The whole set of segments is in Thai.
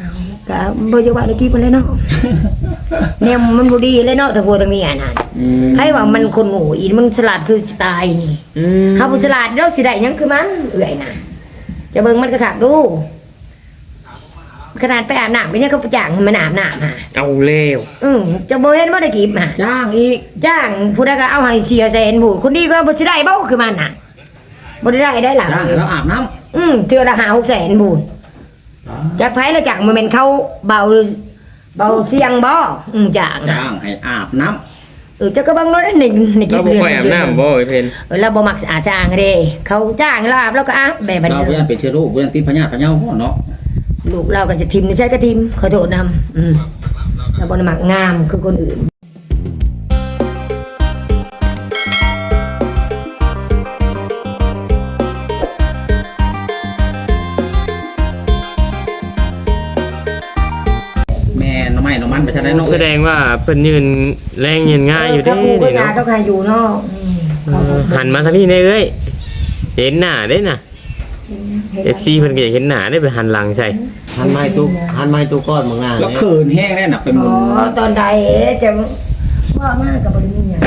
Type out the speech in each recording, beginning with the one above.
ก็บ่จะว่าได้กินมันเลยเนาะแนวมันบ่ดีเลยเนาะถ้าผัวทางนี้น่ะให้ว่ามันคนโง่อีมันฉลาดคือสไตล์นี่เฮาบ่ฉลาดแล้วสิได้หยังคือมันเอื้อยน่ะจะเบิ่งมันก็คักดูขนาดไปอาบน้ำไปเนี่ยเขาไปจ้างมันอาบน้ำเอาเร็วจะบ่เห็นบ่ได้กิบจ้างอีกจ้างผู้ใดก็เอาให้400,000ผู้คนดีก็บ่สิได้เบ้าคือมันน่ะบ่ได้หล่ะจ้างแล้วอาบน้ำเทื่อละ5-600,000ผู้จากไผละจ้างมันเป็นเขาเบาเสียงบ่จ้างให้อาบน้ำจะก็บังรถนี่กินเดือนเราบ่อาบน้ำบ่เพิ่นเราบ่มักสะอาดจ้างเด้เขาจ้างเราอาบแล้วก็อาบแบบนี้เราบ่ยันเป็นเชื้อโรคบ่ยันติดพยาธิพะเยาบ่เนาะลูกเราก็จะทิมนี่ใช่ก็ทิมขอโทษนำเราบ่ได้มักงามคือคนอื่นไปใช่ไหมน้องแสดงว่าเพิ่นยืนแรงยืนง่ายอยู่เด้นี่เนาะเขาใครอยู่เนาะหันมาทางพี่ได้เอ้ยเห็นหน้าได้น่ะ FC เพิ่นก็อยากเห็นหน้าได้ไปหันหลังใส่หันไม้ตู้ก้อนบางหน้าแล้วเขินแห้งแน่น่ะไปหมุนตอนใดจะว่ามากกับบ่ได้มีหยัง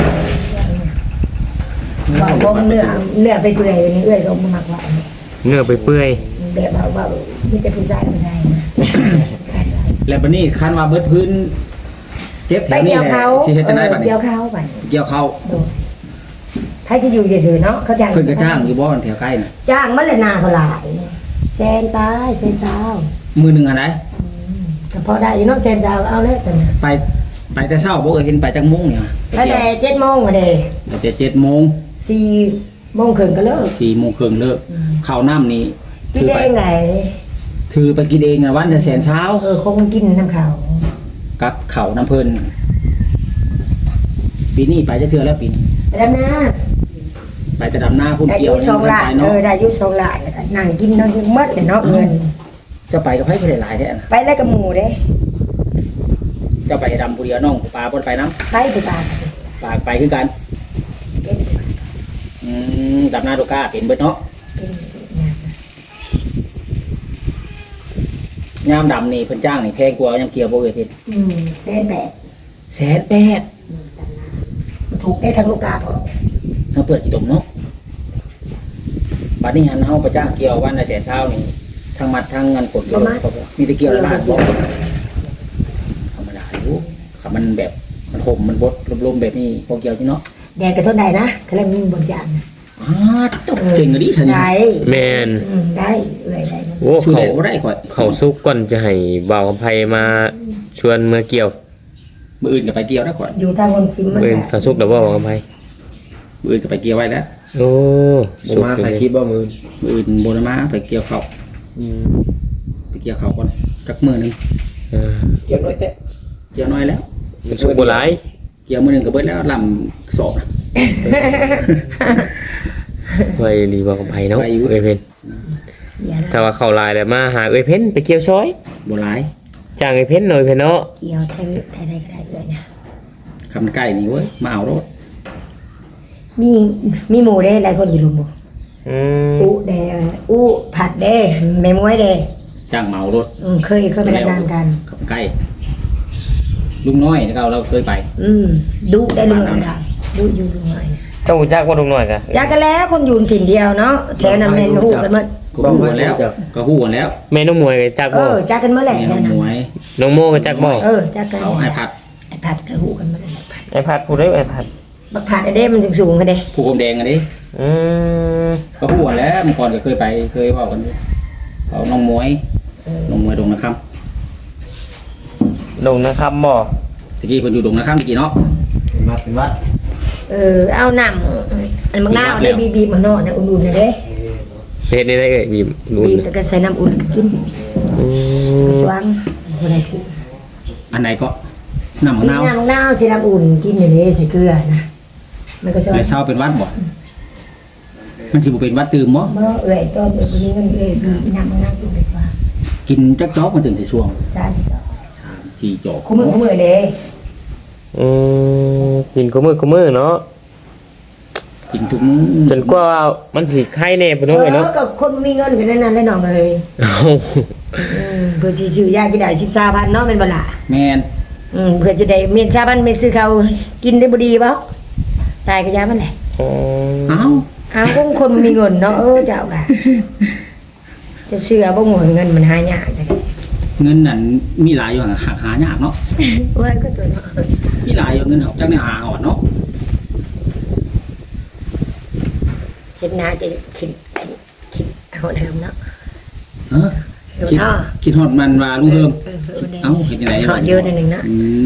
ว่าบ่เนื้อไปเปื่อยนี่เอ้ยก็บ่มักว่าเนื้อไปเปื่อยแบบว่ามีแต่ผู้ชายนะแล้วบัดนี้คันว่าเบิดพื้นเก็บแถวนี้แหละสิเฮ็ดจังได๋บัดนี้เกี่ยวข้าวบัดเกี่ยวข้าวใครสิอยู่ซื่อๆเนาะเขาจ้างเพิ่นก็จ้างอยู่บ่แถวใกล้น่ะจ้างมันละนาเท่าหลายแสนตายแสนเช้ามื้อนึงอันใดก็พอได้อยู่เนาะแสนเช้าเอาแล้วซั่นน่ะไปแต่เช้าบ่เห็นไปจักโมงเนี่ยไปแต่7:00 นอ่ะเด้ไปแต่7:00 น 4:30 นก็เลิก 4:30 นเลิกข้าวน้ำนี่กินเองไงถือไปกินเองอ่ะวันละแสนเช้าคงกินน้ำข้าวกับข้าวน้ำเพิ่นปีนี้ไปจะเทื่อแล้วปีนี้ไปดำนาไปจะดำนาพุ่นเกี่ยวนี่ได้อยู่2 ล้านแล้วก็นั่งกินนอนหมดเลยเนาะเงินจะไปกับไผคือหลายๆแท้น่ะไปแล้วกับหมู่เด้จะไปดำผู้เดียวน้องปลาบ่ไปนำไปปลาไปคือกันดำนาโดก้าเป็นเบิดเนาะยามดำนี่เพิ่นจ้างนี่แพงกว่ายามเกี่ยวบ่เอ่ยเพิ่น 180,000ถูกได้ทั้งลูกกาพอทั้งเปิดกี่ตมเนาะบัดนี้หันเฮาไปจ้างเกี่ยววันละแสนเช้านี่ทั้งมัดทั้งเงินกดอยู่มีแต่เกี่ยวละบาทบ่ธรรมดาอยู่คันมันแบบมันห่มมันบดลมๆแบบนี้พอเกี่ยวอยู่เนาะแดดก็ทนได้นะกำลังมีบนจานตกเก่งดิฉันได้แม่นได้เลยได้โอ้เขาสุกก่อนจะให้บ่าวคำไผมาชวนเมื่อเกี่ยวมื้ออื่นก็ไปเกี่ยวได้ก่อนอยู่ทางคนซิมมันเขาสุกแล้วบ่าวคำไผมื้ออื่นก็ไปเกี่ยวไว้แล้วโอ้สุกมาถ่ายคลิปบ่มื้ออื่นบ่ได้มาไปเกี่ยวข้าวไปเกี่ยวข้าวก่อนจักมื้อนึงเกี่ยวน้อยแต่เกี่ยวน้อยแล้วมันสุกบ่หลายเกี่ยวมื้อนึงก็เบิดแล้วลำสอบไว้ดีบ่าวคำไผเนาะเอ้ยเพิ่นถ้าว่าเข้าลายแล้วมาหาเอ้ยเพิ่นไปเกี่ยวซอยบ่หลายจ้างเอ้ยเพิ่นหน่อยเพิ่นเนาะเกี่ยวไทยได้ก็ได้เลยนะคำใกล้นี่เว้ยมาเอารถมีหมูได้หลายคนอยู่ลุงบ่เด้ผัดเด้แม่มวยเด้จ้างเมารถเคยไปทำงานกันคำใกล้ลุงน้อยเราเคยไปดุได้ลุงน้อยได้ดุอยู่ลุงน้อยเจ้าจักว่าลุงน้อยกะจักกันแล้วคนอยู่ถิ่นเดียวเนาะแถวนั้นแม่นฮู้กันหมดก็ฮู้กันแล้วแม่น้องมวยก็จักบ่จักกันเมื่อไหร่แถวนั้นน้องโมก็จักบ่จักกันเอาไอ้ผัดก็ฮู้กันมาไอ้ผัดผู้ใดไอ้ผัดบักผัดไอ้เด้มันสูงกันเด้ผู้กลมแดงอันนี้ก็ฮู้กันแล้วเมื่อก่อนก็เคยไปเคยเว้ากันเขาน้องมวยดงนะครับดงนะครับบ่ตะกี้เพิ่นอยู่ดงนะครับเมื่อกี้เนาะเป็นวัดเอาน้ำอันมังนาวได้บีบมาเนาะนะอุ่นๆน่ะเด้เฮ็ดได้เอ้ยบีบอุ่นแล้วก็ใส่น้ำอุ่นกินสว่างบ่ได้ถืออันไหนก็น้ำมะนาวใส่น้ำอุ่นกินอย่างนี้ใส่เกลือนะมันก็สว่างแล้วเช้าเป็นวัดบ่มันสิบ่เป็นวัดตื่มบ่เอ้ยตอนนี้มันน้ำมะนาวกินไปสว่างกินจักจอกมันถึงสิช่วง 3-4 จอกคู่มือเด้กินกูมือเนาะกินทุกมื้อจนกว่ามันสิไข้แน่พุ่นเนาะก็คนมีเงินกันนั้นเลยน้องเอ้ยเพื่อที่ซื้อยากินได้13,000เนาะแม่นบ่ล่ะแม่นเพื่อจะได้เมียน13,000ไม่ซื้อเขากินได้บ่ดีบ่ตายก็ยามันแหละอ๋อเอ้าอ้าวคนมีเงินเนาะเจ้าค่ะจะเชื่อบ่งเงินมันหายากจังเงินนั่นมีหลายอยู่หายากเนาะว่าก็ตัวเนาะมีหลายอยู่เงินเฮาจักได้หาอ่อนเนาะเฮ็ดนาจะคิดเอาเดิมเนาะเออคิดฮอดมันว่าลุงเฮิมเอ้าเฮ็ดจังได๋เฮาเยอะนิดนึงเนาะ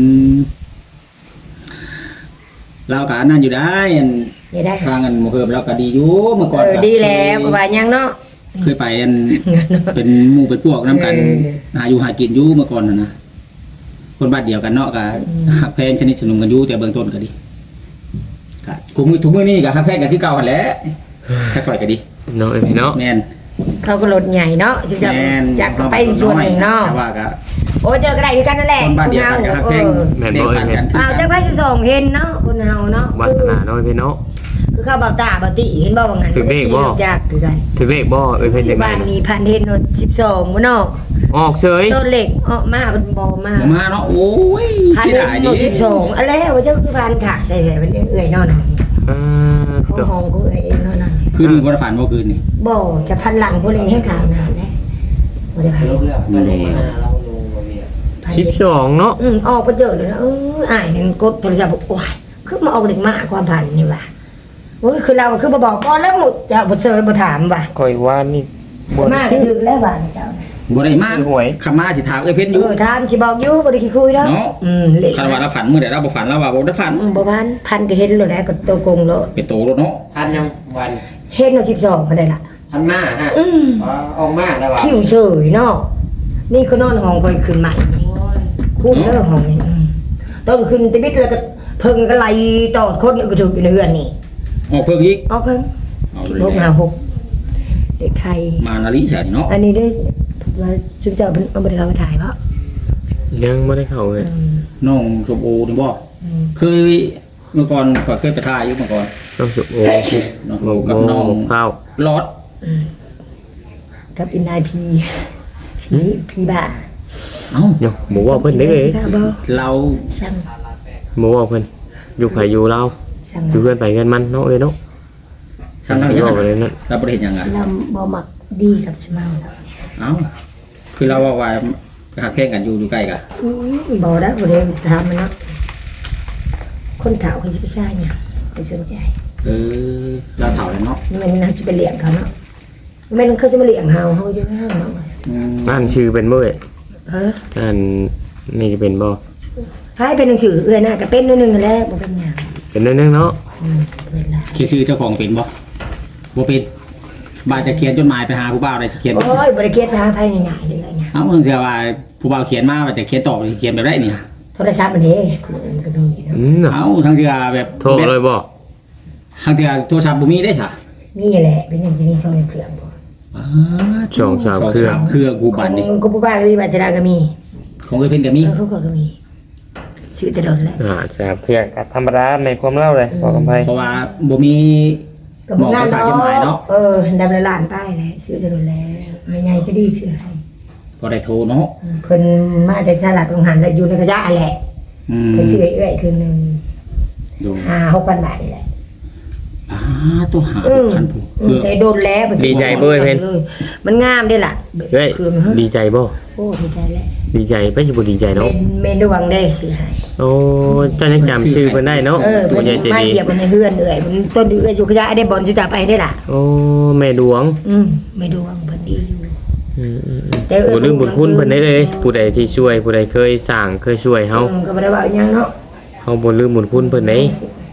เราก็นั่นอยู่ได้อันนี่ได้ทางอันหมู่เฮิมเราก็ดีอยู่เมื่อก่อนก็ดีแล้วบ่ว่าหยังเนาะเคยไปอันเป็นหมู่เป็นพวกนํกันหาอยู่หากินอยู่เมื่อก่อนน่ะคนบ้านเดียวกันเนาะก็ฮักแพงชนิดสนุกกันอยู่แต่เบื้องต้นก็ดีก็ทุกมื้อนี้ก็ฮักแพงกันคือเก่าหั่นแหละถ้าค่อยก็ดีเนาะเอ้ยพี่เนาะแม่นเขาก็รถใหญ่เนาะจะแม่นจักไปส่วนหนึ่งเนาะแต่ว่าก็โอ้เจอก็ได้คือกันนั่นแหละคนบ้านเดียวกันก็ฮักแพงแม่นบ่เอ้ยแม่นอ้าวจักไปสิส่งเห็นเนาะคนเฮาเนาะวาสนาเนาะเอ้ยพี่เนาะคือเข้าเบาตาเบาติเห็นบ่ว่างั้นถือเบรกบ่จักคือกันถือเลขบ่เอ้ยเพิ่นจังได๋บ้านนี้พันเห็นรถ12บ่เนาะออกเฉยต้นเหล็กออกมามันบ่มาบ่มาเนาะโอ้ยพันเสียเห็นดายรดิถ12อันแล้วว่าเจ้าคือพันขาดแต่มันเอื้อยเนาะอ่าของตัวห้องของเอื้อยเองเนาะนั่นคืนนึงบ่ได้ฝันบ่คืนนี่บ่จะพันหลังผู้เล่นให้ข่าวนานแล้วบ่ได้พันลบแล้วก็ลงมาเราลงมาเนี่ยพัน 12เนาะออกไปเจอเลยนะอ้ายนั่นกดโทรศัพท์บอกโอ้ยคือมาเอาเด็กมาความพันนี่ว่ะโอ้ยคือเราคือบ่บอกก่อนแล้วหมดจะบ่เซยบ่ถามว่ะข่อยว่านี่บ่มาได้ก็ซื้อถึงแล้วว่าเจ้าบ่ได้มาหวยคำมาสิถามเอ้ยเพชรอยู่ถามสิบอกอยู่บ่ได้ขี้คุยแล้วเนาะเละคันว่าเราฝันมื้อใดเราบ่ฝันเราว่าบ่ได้ฝันบ่พันก็เห็นแล้วนะก็โตกงแล้วเป็นโตรถเนาะพันยังวันเห็นว่า12ก็ได้ละพันมาฮะอืมออกมาแล้วว่ะคิวเฉยเนาะนี่ก็นอนห้องค่อยขึ้นใหม่คุ้มเด้อห้องนี้ต้นขึ้นตะบิดแล้วก็เพิ่งก็ไล่ตอดคนก็ถึกอยู่ในเรือนนี่ออกเพิ่งอีกเอาเพิ่งเอาสิเลยบหาหกเด็กไทยมานาลิใช่เนาะอันนี้ได้ว่าจึงจะเอาไปเขามาถ่ายเพราะยังบ่ได้เข้าเลยน้องชมโอนี่บ่เคยเมื่อก่อนก็เคยไปถ่ายอยู่เมื่อก่อนต้องสุโอ้น้องโอ้กับน้องข้าวลอดกับอินนายพีบ้าเอ้าเนาะบ่ว่าเพิ่นเด้อเอ้ยบ่เราสั่งบ่ว่าเพิ่นอยู่ไผอยู่ลาวสั่งอยู่เพื่อนไปกันมันเนาะเอ้ยเนาะช่างเราอย่างว่านั้นไปเลยนั่นเราบ่ได้เห็นหยังอ่ะเราบ่มักดีกับสมาเอ้าคือเราว่าหาแข่งกันอยู่ใกล้กันบ่ได้บ่ได้ถามมันเนาะคนเฒ่าเขาสิไปซ่าหยังไปสนใจเราเฒ่าแล้วเนาะมันน่าจะไปเลี้ยงเขาเนาะมันเขาจะมาเลี้ยงเฮาจะไม่ให้เนาะอ่านชื่อเป็นบ่เอ้ยเอออ่านนี่จะเป็นบ่ให้เป็นหนังสือเอื้อน่ะก็เป็นนิดนึงแล้วบ่เป็นหยังเป็นนั่นเนาะเวลาเขียนชื่อเจ้าของเป็นบ่บ่เป็นบ่ายจะเขียนจดหมายไปหาผู้บ่าวได้สิเขียนโอ้ยบ่ได้เกียรติหาภายง่ายๆเลยเนี่ยเอ้าเถื่อว่าผู้บ่าวเขียนมาว่าจะเขียนตอบสิเขียนแบบได้เนี่ยโทรศัพท์มันเด้มันก็มีเนาะน่ะเอ้าทางเถื่อแบบโทรเลยบ่ทางเถื่อโทรศัพท์บ่มีได้ค่ะมีแหละเป็นยังสิมีโซนเครื่องบ่สองสามเครื่องเครื่องกูบันนี่กูบ่บ้าก็มีบาชราก็มีของเอ้ยเพิ่นก็มีเขาก็มีชื่อตลอดแหละสามเครื่องก็ธรรมดาในความเล่าเลยพอกำไผเพราะว่าบ่มีก็บ่งานเนาะดำละล้านป้ายแหละชื่อตลอดแล้วไม่ไงจะดีชื่อให้บ่ได้โทรเนาะเพิ่นมาแต่สลัดโรงหันแล้วอยู่ในกระยะแหละอืมเพิ่นชื่อเอื้อยคือนึงดู 5-6,000 บาทนี่แหละตัวหาพันผู้เพื่อได้โดนแล้วมันงามได้ล่ะเฮ้ยคือดีใจบ่โอ้ดีใจแล้วดีใจไปสิบ่ดีใจเนาะเมนดวงได้สิให้โอ้เจ้ายังจำชื่อเพิ่นได้เนาะเพิ่ผู้นใหญ่ใจมาดีเหยียบมันในเฮือนเอื้อยมันต้นเอื้อยอยู่กระยะได้บอลจุจะไปได้ล่ะโอ้แม่ดวงไม่ดวงเพิ่นดีอยู่แต่บ่ลืมบุญคุณเพิ่นได้เอ้ยผู้ใดที่ช่วยผู้ใดเคยสร้างเคยช่วยเฮาก็บ่ได้ว่าหยังเนาะเฮาบ่ลืมบุญคุณเพิ่นเด้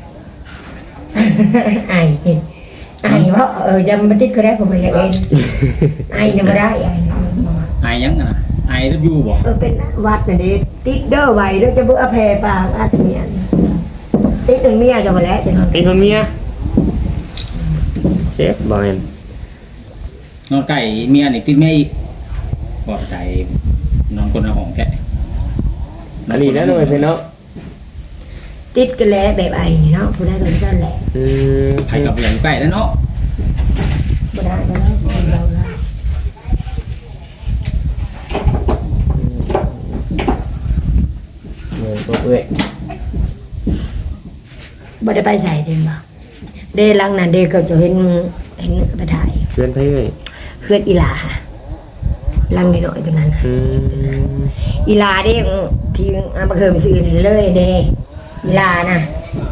ไอ้ว่าจะมาติดก็ได้ผมไม่อยากเองไอ้เนี่ยบ่ได้ไอ้ไอยังอ่ะไอรับอยู่บ่เป็นวัดน่ะดิติดเด้อไว้แล้วจะเบิ่อแผ่ปากอาตเมียนติดถึงเมียจะบ่แล้วจะนอนเป็นคนเมียเชฟบ่แม่นนอนไก่เมียนี่ติดแม่อีกปลอดใจนอนคนละห้องแท้อันนี้นะหน่อยเพิ่นเนาะติดกันแล้วแบบไอ้เนาะผู้ได้ก็ซั่นแหละไผกับอย่างใกล้แล้วเนาะบ่ได้แล้วเราแล้วเอ้ยบ่ได้ไปใส่เด้บ่เดหลังนั้นเดก็จะเห็นไปถ่ายเพื่อนไผเอ้ยเพื่อนอีหลาหลังน้อยๆตรงนั้นน่ะ อีหลาเด้ที่บ่เคยไปซื้อนี่เลยเด้อีหลาน่ะ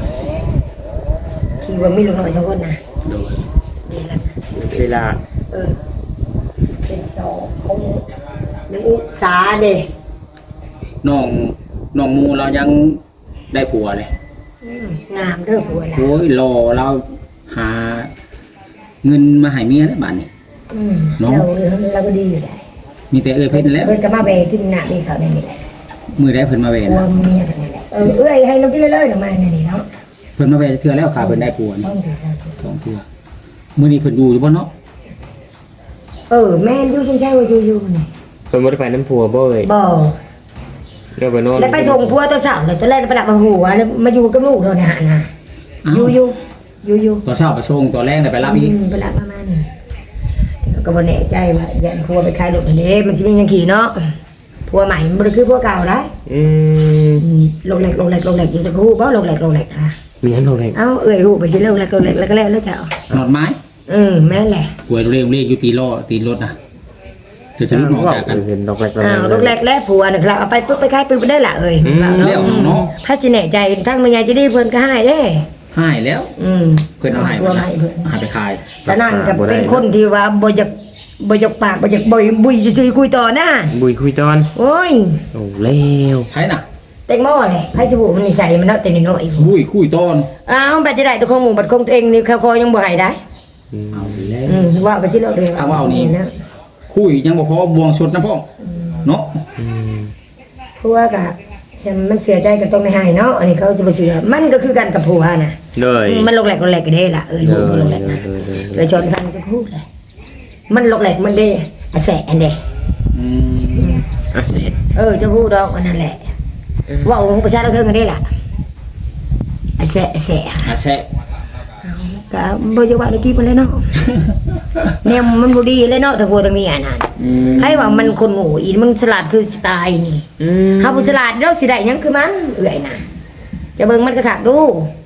ที่ว่ามีลูกน้อย2คนน่ะโดยเดหลังน่ะเวลาเป็นสองของนึกอุสาเด้น้องมูเรายังได้ผัวเลยงามเด้อผัวล่ะโอ้ยรอเราหาเงินมาให้เมียแล้วบ้านนี้ เนาะเราก็ดีอยู่ได้มีแต่เพิ่นแล้วเพิ่นก็มาแบกกินหน้านี่เขาได้นี่แหละมือได้เพิ่นมาเวผันะวเมียกันนี่แหละเอ้ยให้เรากินเลยๆหน่อมานี่เนาะเพิ่นมาเวเทื่อแล้วค่ะเพิ่นได้ผัวนี่ต้องถือเราถือ 2เทื่อมื้อนี้เพิ่นอยู่บ่เนาะแม่นอยู่ใช่ว่าอยู่นี่เพิ่นบ่ได้ไปน้ำผัวบ่เอ้ยบ่แล้วไปนอนแล้วไปส่งผัวตอนเช้าเลยตอนแรกไปรับมาหัวแล้วมาอยู่กับลูกโดนหานะอยู่ตอนเช้าไปส่งตอนแรกได้ไปรับอีกไปรับมามันก็บ่แน่ใจว่ายันผัวไปขายรถอันนี้มันสิมีหยังขี่เนาะผัวใหม่มันบ่ได้คือผัวเก่าได้ ลงแหลกอยู่จะฮู้บ่ลงแหลกอ่ะมีอันเท่าไหร่เอ้าฮู้ไปสิลงแหลกแล้วก็แล้วเจ้าหนอดไม้แม่นแหละกวยเรียกอยู่ตีล้อตีรถน่ะจะรุดออกจากกันเห็นดอกแรกลงแหลกแล้วผัวน่ะครับเอาไปปุ๊บไปขายปุ๊บได้ล่ะว่าเลี้ยวเนาะถ้าสิแน่ใจทั้งแม่ยายจะได้เพิ่นก็ให้เด้หายแล้วเพิ่นเอาให้ผัวให้เพิ่นหายไปขายสนั่นกับเป็นคนที่ว่าบ่อยากปากบ่อยากบุยซื่อๆคุยต่อนะบุยคุยตอนโอ้ยโอ้แล้วไผน่ะแตงโมแหละให้สบู่มันนิสัยมันเนาะแต่น้อยๆบุ้ยคุยตอนอ้าวบัดจะได้ตัวของหมู่บัดของตัวเองนี่เขาคอยังบ่ให้ได้เอาแล้วว่าไปสิเราเลยเอาว่าเอานี่ คุยยังบ่พอบวงสดนะพ่อเนาะเพราะว่าก็มันเสียใจก็ต้องไม่ให้เนาะอันนี้เขาจะบ่เชื่อมันก็คือกันกับผัวน่ะเลยมันลกแหลกกันเด้ล่ะอยู่ลกแหลกนะเลยชนกันจะพูดเลยมันลกแหลกมันเด้อะแสอันเด้อ่ะเสร็จจะพูดดอกอันนั้นแหละว่าองค์ประชาชนกันได้ล่ะอะแสอาแซะก็บ่จะว่าได้กี่ปานแล้วเนาะแนวมันบ่ดีเลยเนาะถ้าผัวตรงนี้อ่ะนั่นให้ว่ามันคนโง่อีมันฉลาดคือสไตล์นี่เฮาบ่ฉลาดแล้วสิได้หยังคือมันเอื้อยน่ะจะเบิ่งมันก็คักดู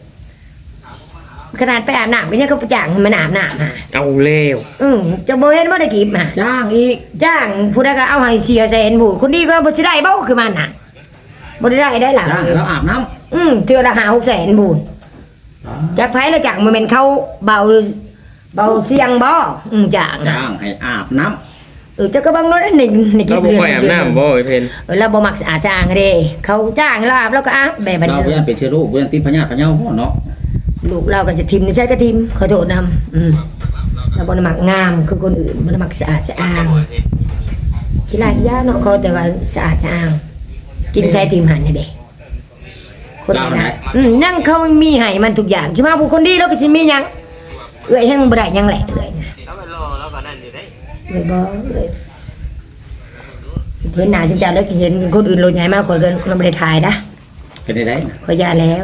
ขนาดไปอาบน้ำก็ยังเขาไปจ้างให้มันอาบน้ำฮะเอาแล้วจะบ่เห็นว่าได้กีบฮะจ้างอีกจ้างผู้ใดก็เอาให้4แสนผู้คนดีก็บ่สิได้เบ้าคือมันน่ะบ่ได้ล่ะจ้างแล้วอาบน้ำเทื่อละ5-6แสนผู้จากไผละจ้างบ่แม่นเขาเบาเสียงบ่จ้างจ้างให้อาบน้ำเจ้าก็เบิ่งเนาะในคลิเราปบ่ค่อยอาบน้ำบ่ไอ้เพนเราบ่มักสะอาดจ้างเด้เขาจ้างเราอาบแล้วก็อาบแบบนี้เราเพื่อนเป็นเชื้อโรคเพื่อนติดพยาธิพะเยาพ่อเนาะลูกเราก็จะทิมนี่ใช่ก็ทิมขอโทษนำเราบ่ได้มักงามคือคนอื่นบ่ได้มักสะอาดสะอ้างขี้ลายยาเนาะเขาแต่ว่าสะอาดสะอ้างกินใช้ทิมหันนี่เด้คนนั้นยังเขามีให้มันทุกอย่างใช่มั้ยผู้คนดีแล้วก็สิมีหยังเอ้ยแฮงบ่ได้หยังแหละเอ้ยนะเลยบ่เลยเห็นหน้าจังจังแล้วสิเห็นคนอื่นโลดใหญ่มากกว่าเกินมันบ่ได้ถ่ายนะเป็นได้ขอยาแล้ว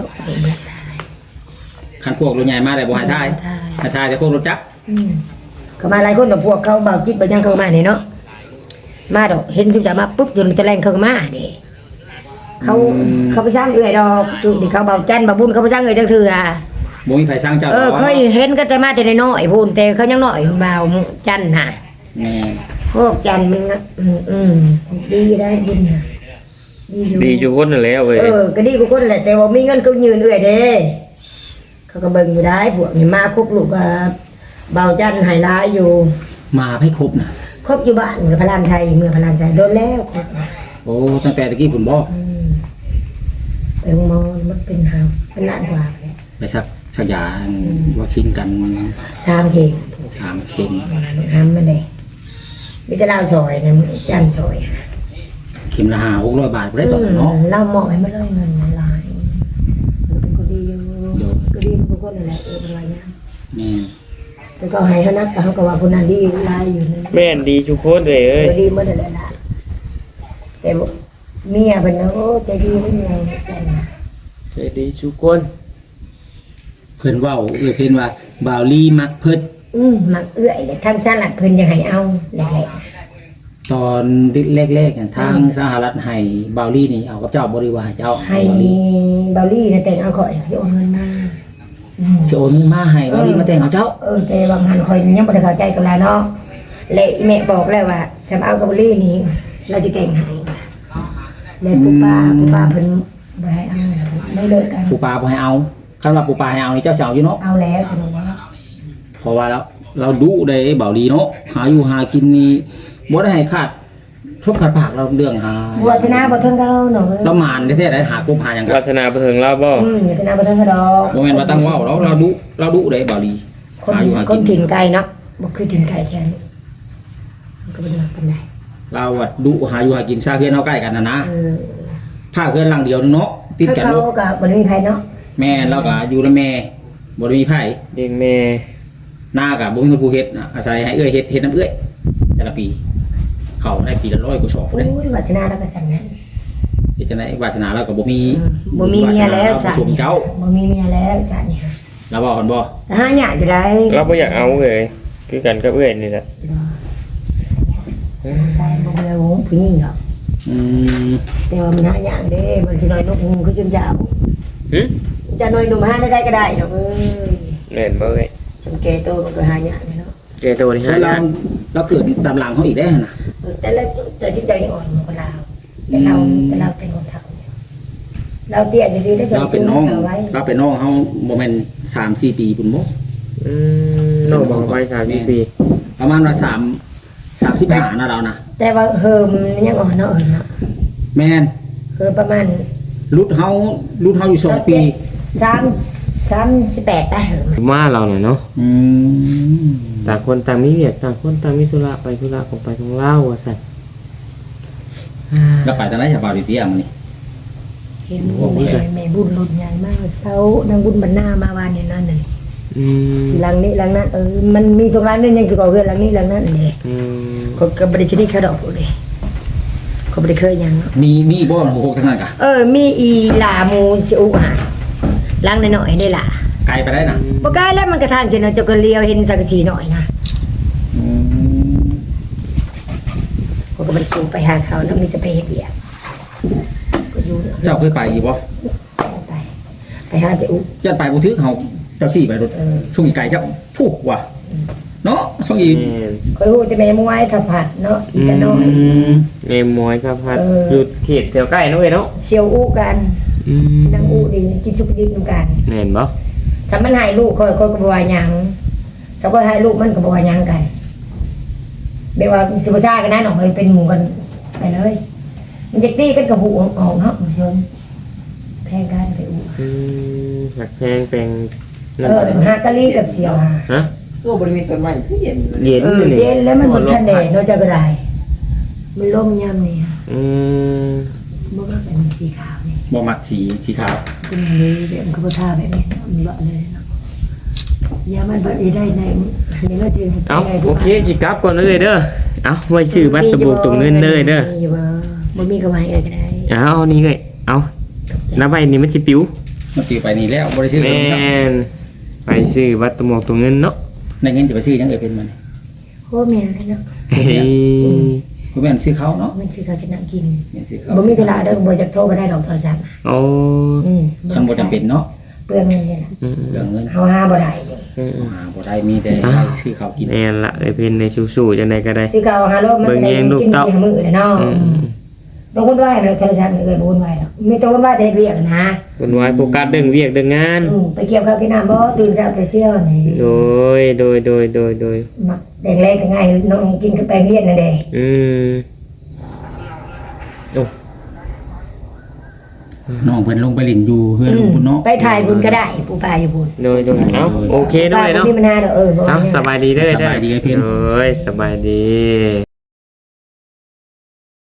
คันพวกรถใหญ่มาได้บ่ให้ทายให้ทายแต่พวกรถจักรเขามาหลายคนแต่พวกเขาเบาจิตเบายังเขามาเนี่ยเนาะมาดอกเห็นจุ๊จะมาปุ๊บจนจะแรงเขาก็มาเด้เขาไปสร้างเอื้อยดอกจุนี่เขาเบาจันเบาบุญเขาไปสร้างเอื้อยจังซื่ออ่ะบ่มีไผสร้างเจ้าเคยเห็นก็แต่มาแต่น้อยๆพูนแต่เขายังน้อยเบาจันน่ะแม่พวกจันมันดีได้บุญน่ะดีอยู่คนนั่นแล้วเว้ยก็ดีกว่าคนแหละแต่ว่ามีเงินก็ยืนเอื้อยเด้เขาก็เบิ่งอยู่ได้พวกนี่มาครบลูกก็เบาจันหายร้ายอยู่มาให้ครบน่ะครบอยู่บ้านกับพระรามชัยเมืองพระรามชัยโดนแล้วครบโอ้ตั้งแต่ตะกี้คุณบ่ไปโรงพยาบาลมันเป็นหาเป็นล้านกว่าเลยไปสักยาวัคซีนกัน 3 เข็ม 3 เข็มห้ามมันเลยมีแต่เล่าซอยนะจันซอยเข็มละ500-600 บาทบ่ได้ตอนนั้นเนาะเล่าเหมาะให้มันเลยเงินหลายมันเป็นคนดีอยู่ก็ดีทุกคนนั่นแหละเป็นไรเนี่ยนี่แต่ก็ให้เขานักแต่เขาก็ว่าคนนั้นดีหลายอยู่นะแม่นดีทุกคนเลยเอ้ยก็ดีเมื่อไหร่ละแต่เมียเป็นนะโอ้ใจดีไม่มีอะไรจันนะใจดีทุกคนเพิ่นเว้าเพิ่นว่าบ่าวลีมักเพิ่นมักเอื้อยเลยทั้งสลัดเพิ่นยังให้เอาแหละตอนแรกๆเนี่ยทางสหรัฐให้บาวลี่นี่เอากับเจ้าบริวารเจ้าให้บาวลี่เบาลี่น่ะแต่งเอาข่อยสิโอนเงินมาอืมสิโอนเงินมาให้บาวลี่มาแต่งเอาเจ้าแต่บางหันข่อยยังบ่ได้เข้าใจกันแล้วเนาะและแม่บอกแล้วว่าสำเอากับเบาลี่นี่เราจะแต่งให้แล้วปู่ป้าเพิ่นบ่ให้เอาไม่เลิกกันปูปลาบ่ให้เอาคำว่าปูปลาให้เอานี่เจ้าสิเอาอยู่เนาะเอาแล้วเพิ่นว่าเพราะว่าเราดุได้บาวลี่เนาะหาอยู่หากินนี่บ่ได้ให้ขาดทุบขาดปากเราเรื่องหาวัฒนาบ่เทิงเขาเนาะเรามานแท้ๆได้หากบหาหยังกัวาน สนาบ่ถึงเราบ่วัฒนาบ่เทิงเขาดอกบ่แม่นว่าตั้งเว้าเราดุได้บาวลี่คนหาอยู่หาคกินนถิ่นไกลเนาะบ่คือถิ่นไกลแท้นี่มันก็บ่ได้ว่าปานใดเราอะดุหาอยู่หากินซาเฮือนเฮาใกล้กันนะเออผ้าเฮือนหลังเดียวนึงเนาะติดกันเขาลูกก็บ่ได้มีไผเนาะแม่เราก็อยู่กับแม่บ่ได้มีไผเลี้ยงแม่หน้าก็บ่มีคนผู้เฮ็ดอาศัยให้เอื้อยเฮ็ดน้ำเอื้อยแต่ละปี เขาได้ปีละ100กว่าชอบโอ้เด้ยวัฒนาแล้วก็สั่นนั้นเฮ็ดจังได๋วาสนาเราก็บ่มีบ่มีเมียแล้วสาสั่นสมเจ้าบ่มีเมียแล้วสั่นเนี่ยเราบอกกันบ่แต่หาหยาอยู่ได้เราบ่อยากเอาเลยคือกันกับเอื้อยนี่แหละสงสัยบ่มีวงผู้หญิงดอกอืมแต่ว่ามันหาหยาเด้มันสิน้อยนกงูคือจังเจ้าหึจะน้อยหนุ่มหาได้ก็ได้ดอกเอ้ยแม่นบ่เอ้ยสังเกตตัวมันก็หาหยาเนาะแกตัวนี้แล้หาวเรายากเราเกิดตามหลังเขาอีกได้หั่นน่ะแต่ละแต่จิตใจยังอ่อนกว่าเราแต่เราเป็นคนเฒ่าเราเตี้ยซื่อๆได้เราเป็นน้องเอาไว้เราเป็นน้องเฮาบ่แม่น3-4 ปีพุ่นบ่อืมน้องบอกไป3ปีประมาณว่า35นะเรานะแต่ว่าเฮิมยังอ่อนเนาะเนาะแม่นคือประมาณรุ่นเฮาอยู่2 ปี 38ได้เหรอมาเราน่ะเนาะอืมต่างคนต่างมีเวียกต่างคนต่างมีธุระไปธุระของไปของเล่าว่าซั่นแล้วไปตอนไหนจะบ่าวเตี้ยมื้อนี้เห็นแม่บุญรถใหญ่มากเช้านางบุญบรรณามาวานเนี่ยนั่นน่ะอืมหลังนี้หลังนั้นมันมีสงร้านนึงยังสิก่อเฮือนหลังนี้หลังนั้นนี่อืมเขาก็บ่ได้ชนิดเขาดอกเลยเขาบ่ได้เคยหยังเนาะมีบ่มัน6ทั้งนั้นกะมีอีหลาหมูสิอุหาหลังน้อยๆได้ล่ะไกลไปได้น่ะบ่กล้าแล้วมันกระทางสิเนาะเจ้าก็เลียวเห็นสังกะสีหน่อยนะอืมเขาก็บ่ได้สูงไปหาเขาแล้วมีจะไปเฮ็ดเวียกก็อยู่เจ้าเคยไปอีกบ่ไปหาเจ้าอุยันไปบ่ถึกเฮาเจ้าสี่ไปรถช่วงอีไกลเจ้าพูกว่ะเนาะช่วงอีแม่นเคยฮู้แต่แม่มวยถ้าผัดเนาะอีกะน้อยเมมมอยครับพัดเอออยู่เขตแถวใกล้เนาะเว้ยเนาะเสียวอุกันอืมนางอุดีกินสุกดิบนำกันแม่นบ่สามันให้ลูกค่อยก็บ่ว่าหยังสักก็ให้ลูกมันก็บ่ว่าหยังกันแบบว่าสิบ่ซ่ากันนะน้องเอ้ยเป็นหมู่กันไปเลย มันจะตีกันกับหูออกเนาะผู้ชมแพงกันไปอุอืมหักแพงเป็นนั่นหากะลีกับเสียวหาฮะตัวบริเวณต้นไม้ที่เย็นเย็นนี่เย็นแล้วมันบ่ทันแดดเนาะจะก็ได้มันลมยามนี่ค่ะอืมบ่ก็เป็นสีขาวนี่บ่มักสีขาวเป็นอย่างนี้เดี๋ยวมันก็บ่ทาแบบนี้เนาะมันเลาะเลยเนาะยามันบ่ได้ในนี่ก็จะเอาโอเคสิกลับก่อนเลยเด้อเอาไว้ซื้อบัตรตะบูกตรงเงินเลยเด้อมีบ่มีก็ไว้เอ้ยก็ได้เอานี่เลยเอาน้าใบนี่มันสิปิวมันสิไปนี่แล้วบ่ได้ซื้อแม่เจ้านไปซื้อบัตรตะบูกตรงเงินเนาะได้เงินจะไปซื้อหยังเอ่ยเป็นมันโอ้แม่นเลยเนาะเฮ้ยบ่แม่นซื้อเขาเนาะมันสิเขาจะนั่งกินแม่นซื้อเขาบ่มีธุระเด้อบ่จักโทรมาได้ดอกโทรศัพท์โอ้คันบ่จำเป็นเนาะเปลืองเงินเนี่ยอืมเรื่องเงินเฮาหาบ่ได้นี่อืมบ่ได้มีแต่ให้ซื้อเขากินแม่นละเอ้ยเพิ่นในสู้ๆจังได๋ก็ได้สิเก่าหาโลมันเบิ่งได้แยงลูกกินเต้าสิมื้อเลยเนาะอืมบางคนว่าเราโทรศัพท์เลยบ่วุ่นวายหรอกมีแต่วุ่นวายแต่เรียกนะคนไว้โฟกัสเรื่องเวียกเรื่องงานไปเกี่ยวข้าวกินน้ำบ่ตื่นเช้าแต่เช้านี่โดยมักแดงแรงก็ง่ายน้องกินกับแป้งเฮ็ดนั่นเด้อืมโอ้น้องเพิ่นลงไปเล่นอยู่เฮือนลุงพุ่นเนาะไปถ่ายบุญก็ได้ปู่ป้าอยู่บุญโดยเอ้าโอเคด้วยเนาะป้บ่มีปัญหาดอกบ่เอ้าสบายดีเด้อสบายดีไอ้เพิ่นเอ้ยสบายดี